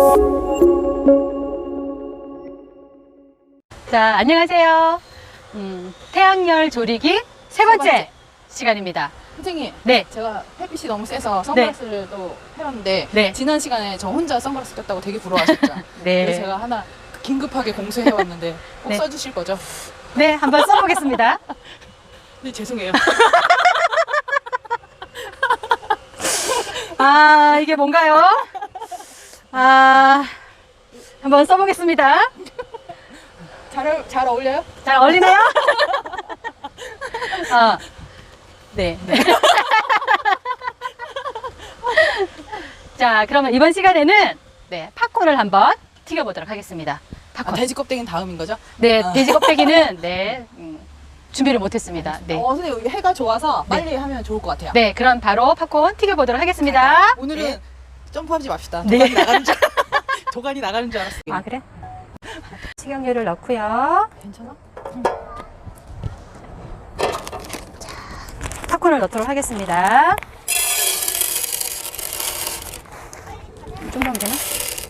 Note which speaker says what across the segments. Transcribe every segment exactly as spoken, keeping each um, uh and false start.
Speaker 1: 자, 안녕하세요. 음, 태양열 조리기 세 번째, 세 번째 시간입니다.
Speaker 2: 선생님,
Speaker 1: 네.
Speaker 2: 제가 햇빛이 너무 세서 선글라스를 네. 또 해봤는데
Speaker 1: 네.
Speaker 2: 지난 시간에 저 혼자 선글라스 꼈다고 되게 부러워하셨죠?
Speaker 1: 네.
Speaker 2: 그래서 제가 하나 긴급하게 공수해왔는데 꼭
Speaker 1: 네.
Speaker 2: 써주실 거죠?
Speaker 1: 네, 한번 써보겠습니다.
Speaker 2: 네, 죄송해요.
Speaker 1: 아, 이게 뭔가요? 아, 한번 써보겠습니다.
Speaker 2: 잘, 어울- 잘 어울려요?
Speaker 1: 잘 어울리나요? 아, 네. 네. 자, 그러면 이번 시간에는 네, 팝콘을 한번 튀겨보도록 하겠습니다. 팝콘.
Speaker 2: 아, 돼지 껍데기는 다음인 거죠?
Speaker 1: 네,
Speaker 2: 아.
Speaker 1: 돼지 kop데기는 네, 음, 준비를 못했습니다. 네.
Speaker 2: 어, 선생님, 여기 해가 좋아서 빨리 하면 좋을 것 같아요.
Speaker 1: 네, 그럼 바로 팝콘 튀겨보도록 하겠습니다.
Speaker 2: 오늘은
Speaker 1: 네.
Speaker 2: 점프하지 맙시다.
Speaker 1: 네.
Speaker 2: 도관이 나가는 줄, 도관이 나가는 줄 알았어요.
Speaker 1: 아, 그래? 식용유를 넣고요.
Speaker 2: 괜찮아?
Speaker 1: 팝콘을 넣도록 하겠습니다. 좀 넣으면 되나?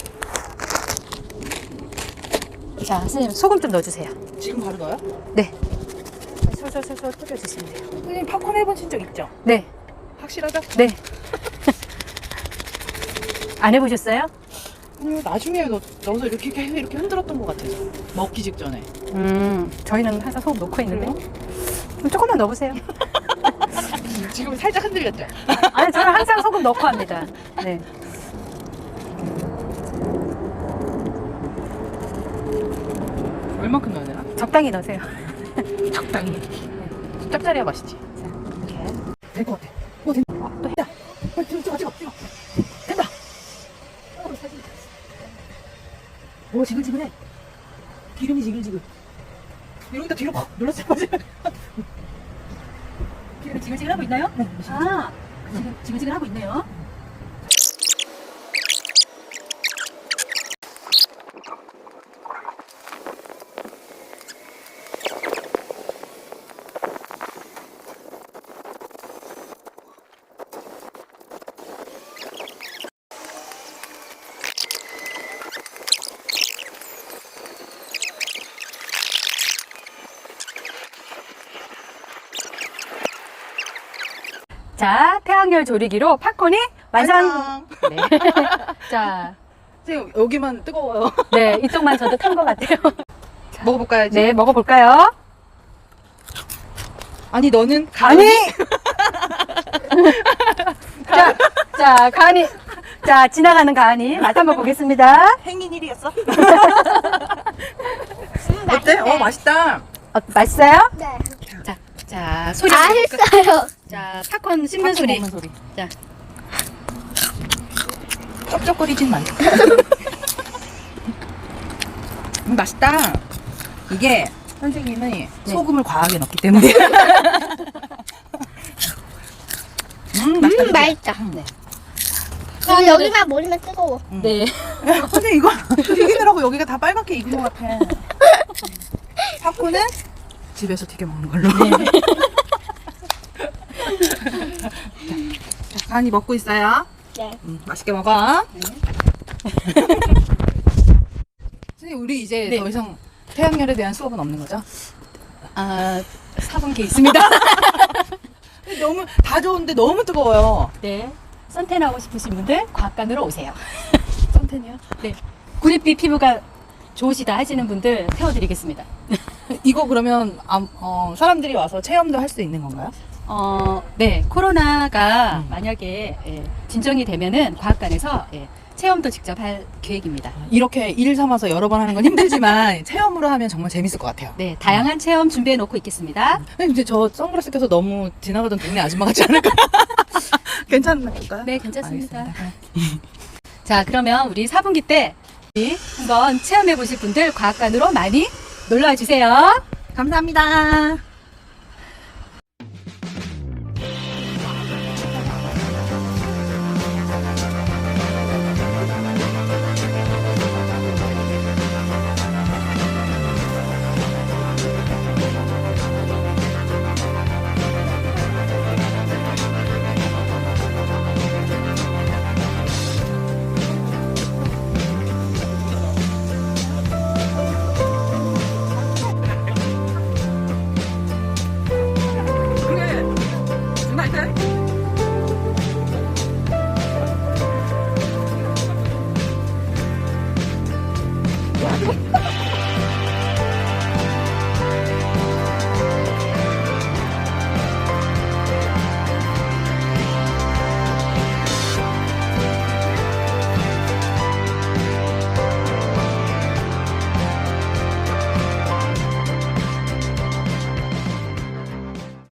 Speaker 1: 자, 선생님 소금 좀 넣어주세요.
Speaker 2: 지금 바로 넣어요?
Speaker 1: 네. 솔솔솔솔 뿌려주시면 돼요.
Speaker 2: 선생님, 팝콘 해보신 적 있죠?
Speaker 1: 네.
Speaker 2: 확실하죠?
Speaker 1: 네. 안 해보셨어요?
Speaker 2: 아니요, 나중에 넣, 넣어서 이렇게, 이렇게 이렇게 흔들었던 것 같아요. 먹기 직전에.
Speaker 1: 음, 저희는 항상 소금 넣고 있는데. 그럼 조금만 넣어보세요.
Speaker 2: 지금 살짝 흔들렸죠?
Speaker 1: 아니, 저는 항상 소금 넣고 합니다. 네.
Speaker 2: 얼만큼 넣어야 되나?
Speaker 1: 적당히 넣으세요.
Speaker 2: 적당히. 짭짤해야 맛있지.
Speaker 1: 이렇게.
Speaker 2: 될 것 같아. 오, 된다. 아, 또 했다. 빨리 찍어, 찍어, 찍어, 찍어. 된다. 오, 지글지글해. 기름이 지글지글. 여기다 뒤로 팍 눌렀을 거지.
Speaker 1: 기름이 지글지글 하고 있나요?
Speaker 2: 네.
Speaker 1: 아, 지금 지글지글 하고 있네요. 자, 태양열 조리기로 팝콘이 완성! 네. 자,
Speaker 2: 선생님, 여기만 뜨거워요.
Speaker 1: 네, 이쪽만 저도 탄 것 같아요.
Speaker 2: 먹어볼까요, 이제?
Speaker 1: 네, 먹어볼까요?
Speaker 2: 아니, 너는
Speaker 1: 아니! 자, 자, 가은이. 자, 지나가는 가은이. 맛 한번 보겠습니다.
Speaker 2: 행인일이었어? 어때? 어, 맛있다.
Speaker 1: 어, 맛있어요?
Speaker 3: 네.
Speaker 1: 자, 자, 소리.
Speaker 3: 맛있어요.
Speaker 1: 자, 팝콘 씹는 소리.
Speaker 2: 먹는 소리.
Speaker 1: 자,
Speaker 2: 쩝쩝거리진 말고. 음, 맛있다. 이게 선생님이 소금을 과하게 넣기 때문에. 음, 맛있다.
Speaker 3: 음, 맛있다.
Speaker 1: 네.
Speaker 3: 아, 여기만 머리만 뜨거워.
Speaker 1: 네.
Speaker 2: 선생님, 이거 튀기느라고 여기가 다 빨갛게 익은 것 같아. 팝콘은 집에서 튀겨 먹는 걸로.
Speaker 1: 네.
Speaker 2: 간이 먹고 있어요.
Speaker 3: 네.
Speaker 2: 음, 맛있게 먹어. 선생님, 우리 이제
Speaker 1: 네.
Speaker 2: 더 이상 태양열에 대한 수업은 없는 거죠?
Speaker 1: 아, 사분기 있습니다.
Speaker 2: 너무 다 좋은데 너무 뜨거워요.
Speaker 1: 네. 선탠 하고 싶으신 분들 과학관으로 오세요.
Speaker 2: 선텐이요?
Speaker 1: 네. 구릿빛 피부가 좋으시다 하시는 분들 태워드리겠습니다.
Speaker 2: 이거 그러면 아, 어, 사람들이 와서 체험도 할 수 있는 건가요?
Speaker 1: 어, 네. 코로나가
Speaker 2: 음.
Speaker 1: 만약에 예, 진정이 되면은 과학관에서 예, 체험도 직접 할 계획입니다.
Speaker 2: 이렇게 일 삼아서 여러 번 하는 건 힘들지만 체험으로 하면 정말 재밌을 것 같아요.
Speaker 1: 네. 다양한 체험 준비해 놓고 있겠습니다.
Speaker 2: 근데 이제 저 선글라스 껴서 너무 지나가던 동네 아줌마 같지 않을까? 괜찮을까요?
Speaker 1: 네, 괜찮습니다.
Speaker 2: 알겠습니다.
Speaker 1: 자, 그러면 우리 사분기 때 한번 체험해 보실 분들 과학관으로 많이 놀러 와 주세요.
Speaker 2: 감사합니다.